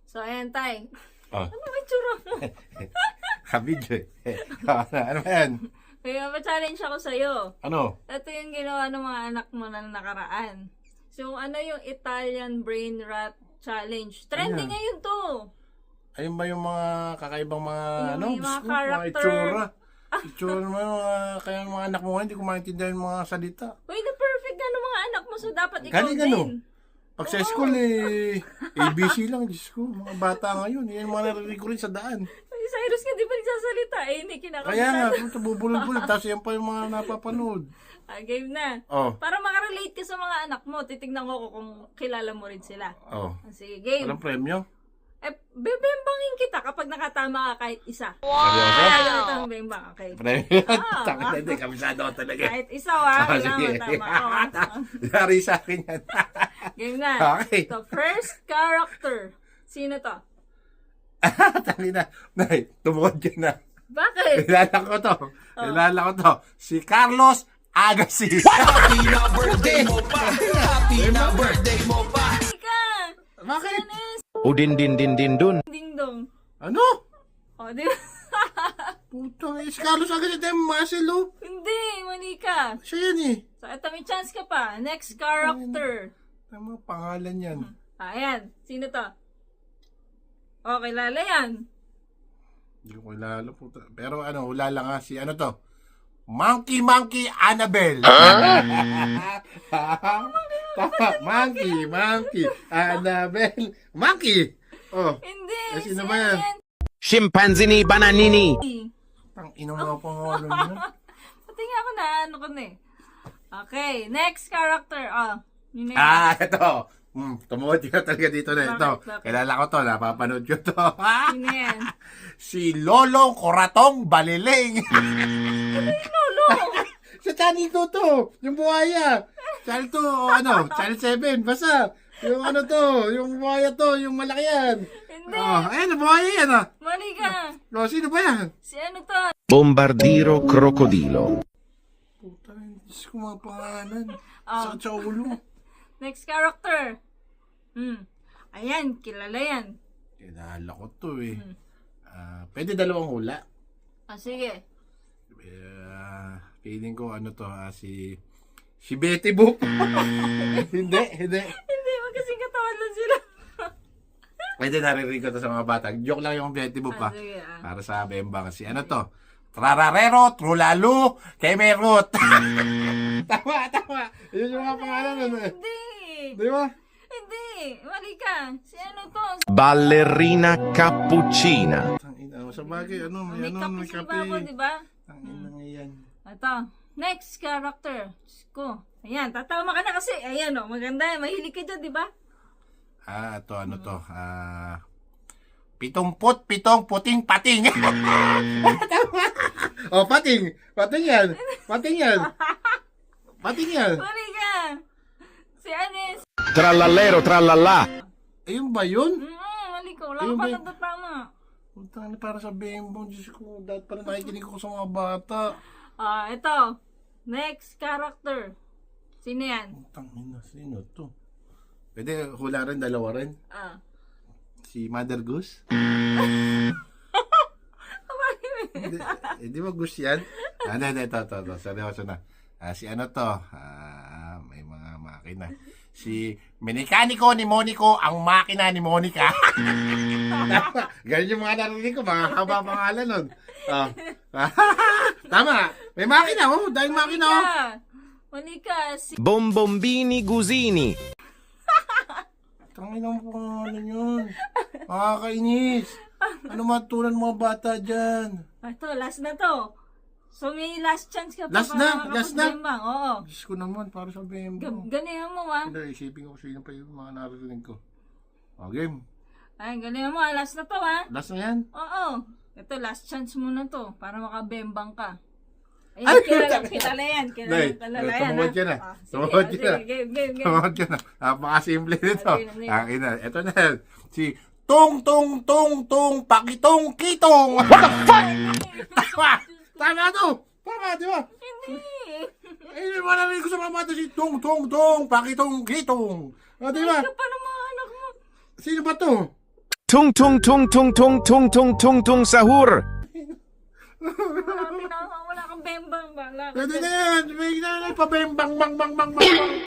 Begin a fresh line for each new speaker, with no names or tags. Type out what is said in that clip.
So, ayan, Tay.
Oh.
Ano ba yung tsura mo?
Kabidyo eh. Ano ba yan?
Kaya pa-challenge ako sa'yo.
Ano?
Ito yung ginawa ng mga anak mo na nakaraan. So, ano yung Italian Brain Rot Challenge? Trending
Ayan.
ngayon to.
Ayun ba yung mga kakaibang mga
Yung
ano?
mga
Diyos ko,
character.
itsura. Itsura naman yung mga, kaya yung mga anak mo ngayon, hindi ko maintindihan yung mga salita.
Uy, na perfect na ng mga anak mo. So, dapat ikaw
Galing
din.
ano? Pag sa school eh, ABC lang, Diyos ko. Mga bata ngayon, yan yung mga narinig ko rin sa daan.
Uy, Cyrus ka di ba nagsasalita? Eh, hindi kinakabahan.
Kaya nga, ito bubulol-bulol. Tapos yan pa yung mga napapanood.
Game na.
Oh,
Para makarelate ka sa mga anak mo, titignan ko kung kilala mo rin sila.
oh.
Sige, game.
Walang premyo?
Bebembangin kita kapag nakatama ka kahit isa.
Seryoso?
Kaya ito ang bembang, okay?
Premyo?
Ah.
Takot na hindi, kabisado ko talaga.
Kahit isa, ha?
Ah,
Kailangan
sige.
tama ko.
Yari sa akin yan.
Game na.
Okay.
The first character. Sino to?
Tangin na. Nay, tumukod ka na.
Bakit?
Kilala ko to. Kilala ko to. Si Carlos Agassi.
Happy na birthday mo pa! Happy na birthday mo pa!
Ika!
Bakit?
Udin din din din dun.
Ding dong.
Ano?
O, di
Putang, si Carlos Agassi tayo muscle, oh.
Hindi, mali ka.
Siya yan eh.
So, ito may chance ka pa. Next character.
Tama, pangalan yan.
Ayan. Sino to? O, kilala yan.
Hindi ko kilala po. Pero ano, hula lang ha. Si ano to? Monkey Annabelle. Tama. Monkey Annabelle. Monkey. Oh.
Hindi.
Sino ba yan?
Scimpanzini bananini.
Tang ina mo pangalan niya.
Pati nga ako na, ano ko na eh. Okay, next character. Yun na yan.
Ito. Tumuhod ka talaga dito na ito.
Bakit?
Kilala ko to, napapanood ko to.
Yun na yan.
Si Lolong Coratong Baliling.
Lolo!
Sa channel 2 to, yung buhaya. Channel 2, o ano, channel 7, basta. Yung ano to, yung buhaya to, yung malaki yan.
Hindi.
Oh, ayan, buhaya yan ah.
Mali ka.
Oh, sino ba yan?
Si ano to?
Bombardiro crocodilo.
Puta, Diyos ko mga pangalan.
Oh.
Sakit sa ulo.
Next character. Ayan, kilala yan.
Kilala ko to eh. Pwede dalawang hula.
Sige.
Feeling ko ano to, si Betty Boop. Hindi.
Hindi, magkasing katawan lang sila.
Pwede naririnig ko to sa mga bata. Joke lang yung Betty Boop ha.
Sige.
Para sa bembang. Si ano to? Trararero, Trulalo, Kemerot. Tama. Yun yung mga pangalan nun eh.
Hindi.
Di ba?
Hindi. Mali ka. Si ano to?
Ballerina cappuccina.
Tangina, sa bagay, ano, may
May
ano,
kape
may
si
kape.
Babo, di ba?
Tangina nga yan.
Ito. Next character. Diyos ko. Ayan, tatama ka na kasi. Ayan o, maganda. Mahilig ka dyan, di ba?
Ito, ano to? 77 puting pating. Tama. Oh, pating. Pating yan.
Mali ka. Si Anis.
Trallallero trallallà.
Ayun ba yun?
Mali ka. Wala
Ayun
ka
ba
pa
yun?
natatama.
Puntang para sa bembang. Diyos ko, dahil pala nakikinig ko sa mga bata.
Ito. Next character. Sino yan?
Tangina, sino to? Pwede hula rin, dalawa rin. Si Mother Goose? Di ba Goose yan? Hindi, ito. Seryoso na. Si ano to? May mga makina. Si Mekaniko ni Monico, ang makina ni Monica. Ganyan yung mga narinig ko, mga haba pangalan nun. Tama. May makina, oh. Dahil makina, oh.
Mali ka. Si
Bombombini gusini.
Tangin ang pangalan yun. Makakainis. Ano matulan mga bata dyan?
Ito, last na to. So, may last chance ka pa.
Last na?
Bembang. Oo.
Diyos ko naman, para sa bembang.
Ganihan mo, ha?
Hindi, isipin ko sino pa yung mga narinig ko. Game.
Ay, ganihan mo, ha? Last na to, ha?
Last na yan.
Oo. Ito, last chance mo na to. Para makabembang ka. Ayun, kilala yan.
Nay,
Kilala yan,
tumuhod ka na.
Sige,
Tumuhod ka na.
Game.
Tumuhod ka na. Napakasimple nito.
Sige.
Ina. Ito na yan. Si Tong Pakitong Kitong. Tama to. Tama, di ba?
Hindi.
Eh, malamig ko sa mga bata si Pakitong Kitong. Di ba?
Ito pa ng mga anak mo.
Sino ba to?
Tung tung tung tung tung tung tung tung tung sahur.
Wala kang bembang. Wala
Pwede na yan. May na, pabembang, bang, bang, bang, bang.